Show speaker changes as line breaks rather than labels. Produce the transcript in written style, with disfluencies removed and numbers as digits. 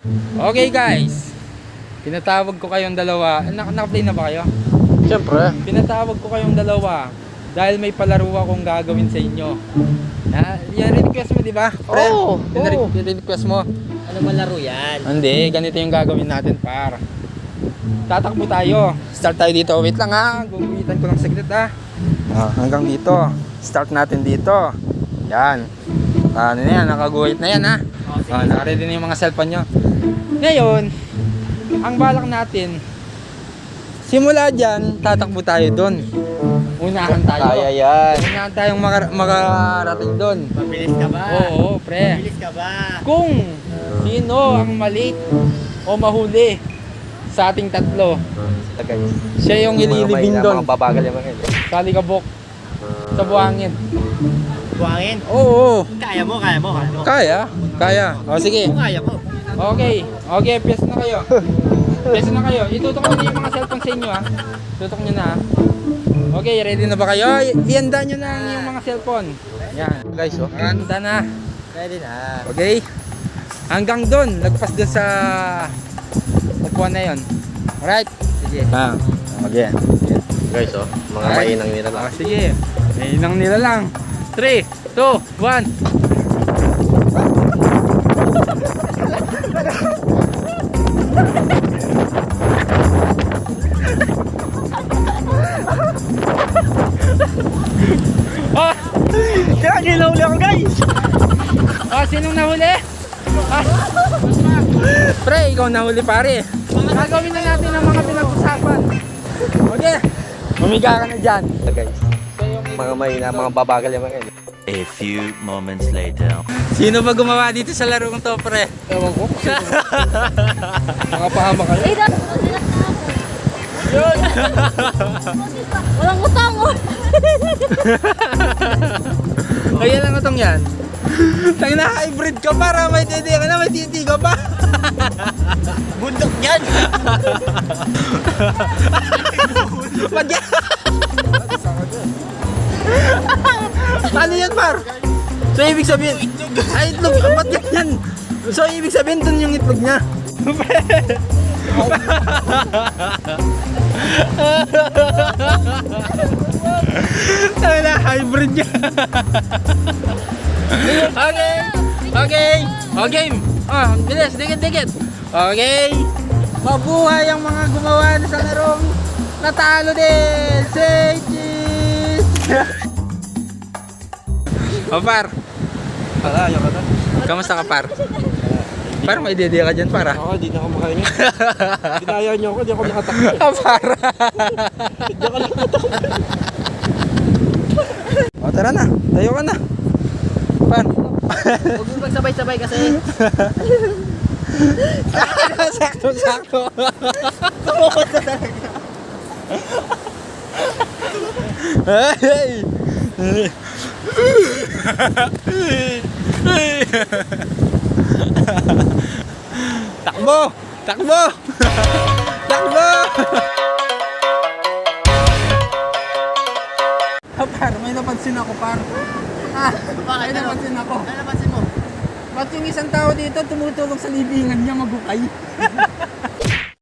Okay guys, pinatawag ko kayong dalawa. Naka-play na ba kayo?
Siyempre.
Pinatawag ko kayong dalawa dahil may palaro akong gagawin sa inyo. Yan request mo, di ba?
Oo.
Request mo.
Ano malaro yan?
Hindi, ganito yung gagawin natin, par. Tatakbo tayo. Start tayo dito. Wait lang ha. Guguhitan ko lang saglit ha. Hanggang dito. Start natin dito. Yan. Ano na yan? Nakaguhit na yan ha. Nakaready na yung mga cellphone nyo. Ngayon, ang balak natin, simula dyan, tatakbo tayo doon. Unahan tayo.
Kaya yan.
Unahan tayong makarating doon.
Mabilis ka ba?
Oo, pre.
Mabilis ka ba?
Kung sino ang malate o mahuli sa ating tatlo, siya yung ililibing doon.
Mga babagal yung mga
Sa Alikabok. Sa buhangin.
Buhangin?
Oo.
Kaya mo, kaya mo. Kaya mo.
Kaya. O sige.
Kaya mo.
Okay. Okay, piyes na kayo. Piyes na kayo. Itutok nyo na yung mga cellphone sa inyo ha. Tutok nyo na ha. Okay, ready na ba kayo? Ihanda nyo na yung mga cellphone. Yan.
Guys, oh.
Handa na.
Ready na.
Okay? Hanggang doon. Lagpas doon sa upuan na yun. Alright? Sige. Okay.
Guys, oh. Mga
Alright.
mainang nila lang.
Sige. Mainang nila lang. 3, 2, 1.
Kaya ginahuli ako, guys!
Sinong nahuli? Pre, ikaw nahuli pare. Gagawin na natin ang mga pinag-usapan. Okay. Humiga ka na dyan.
Guys. Mga mahina, mga babagal yung mga
A few moments later.
Sino ba gumawa dito sa larong to, pre?
Ewan ko. Nakapahama ka.
Yun.
Walang utang oh.
Kaya lang itong yan. Tang na hybrid ka para may titi ka na, may titi ka pa.
Bundok yan!
Wag yan. Ano yan, par? So ibig sabihin, ay itlog, ba't yan? So ibig sabihin dun yung itlog niya. Tama na, hybrid niya. Okay. Okay. O game. Bilis, dikit. Okay. Mabuhay ang mga gumawa na sa larong natalo din. Say cheese. Par.
Wala, ayaw ka na.
Kamusta ka, par? Par, may idea ka dyan, par.
Ako, di na ako makain. Ginaya niyo ako, di ako nakatakbo.
Par. O, tara na. Tayo ka na. Par.
Huwag mo magsabay-sabay kasi.
Sakto.
Tumukot ka talaga.
Hey! Takbo! Takbo! Par, may napansin ako, par.
Bakit?
May napansin ako.
Ano napansin mo?
Ba't yung isang tao dito tumutulog sa libingan niya magukay?